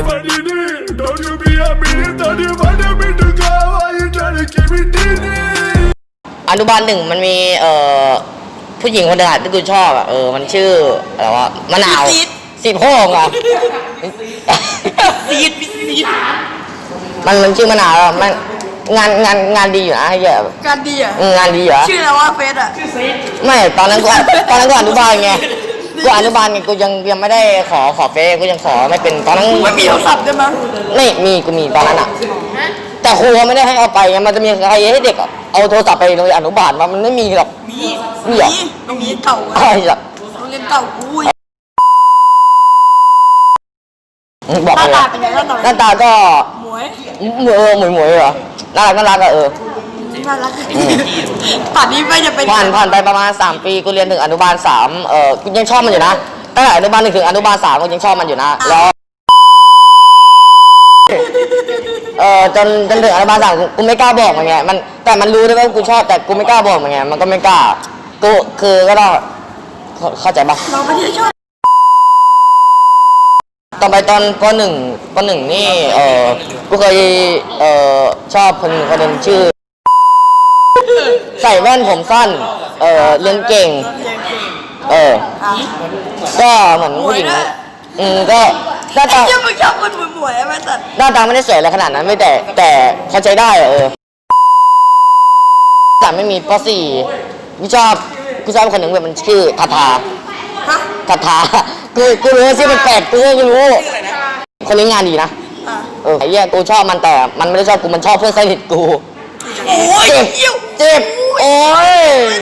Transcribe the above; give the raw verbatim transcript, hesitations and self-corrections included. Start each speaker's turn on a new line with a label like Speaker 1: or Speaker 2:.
Speaker 1: อนุบาลหนึ่งมันมีเอ่อผู้หญิงคนหนึ่งที่กูชอบอ่ะเออมันชื่ออะไรวะมะนาวสีโพงอ่ะ
Speaker 2: ซีดซีด
Speaker 1: มันมันชื่อมะนาวมันงานงานงานดีอยู่นะเยอะ
Speaker 2: การดีอ่ะ
Speaker 1: งานดีเหรอ
Speaker 2: ชื่ออะไรวะเฟสอ่ะ
Speaker 1: ไม่ตอนนั้นกูตอนนั้นกูอนุบาลไงกูอนุบาลไงกูยังยังไม่ได้ขอขอเฟซกูยังขอไม่เป็นตอนนั้น
Speaker 2: ไม่มีโทรศัพท์ได้มั้ย
Speaker 1: ไม่มีกูมีตอนนั้นอ่ะแต่ครูไม่ได้ให้เอาไปไงมันจะมีใครให้เด็กเอาโทรศัพท์ไปโรงเรียนอนุบาลมันไม่มีหรอก
Speaker 2: มีมีเหรอโรงเรียนเก่า
Speaker 1: ใช่หรอ
Speaker 2: โรงเรียนเก่ากู
Speaker 1: บอกเลยหน้าตาก็
Speaker 2: หมวย
Speaker 1: เออหมวยหมวยเหรอน่ารักน่ารักอะเออ
Speaker 2: น่ารักป่านนี้ไม่จะเป็น
Speaker 1: ผ่านผ่านไปประมาณสามปีกูเรียนถึงอนุบาลสามเออกูยังชอบมันอยู่นะตั้งแต่อนุบาลหนึ่งถึงอนุบาลสามกูยังชอบมันอยู่นะแล้วเออจนจนถึงอนุบาลสามกูไม่กล้าบอกมันไงมันแต่มันรู้ด้วยว่ากูชอบแต่กูไม่กล้าบอกมันไงมันก็ไม่กล้ากูคือก็ต้องเข้าใจปะ
Speaker 2: เราไม่ได้ชอบ
Speaker 1: ต่อไปตอนปหนึ่งปหนึ่งนี่เออกูเคยเออชอบคนคนหนึ่งชื่อใส่แว่นผมสั้นเออเรียนเก่งเออก็เหมือนผู้หญิงอืมก็หน้าตา
Speaker 2: ยังไม่ชอบคนหมวยๆไหมแต่
Speaker 1: หน้าตาไม่ได้สวยอะไรขนาดนั้นไม่แต่แต่เขาใจได้เออแต่ไม่มีปสี่กูชอบกูชอบคนหนึ่งแบบมันชื่อทาทาทาทากูกูรู้ว่าชื่อมันแปลกกูก็รู้คนนี้งานดีนะเออไอ้เหี้ยกูชอบมันแต่มันไม่ได้ชอบกูมันชอบเพื่อนสนิทกู
Speaker 2: โอ้ย
Speaker 1: เจ็บเจ็บโอ้ย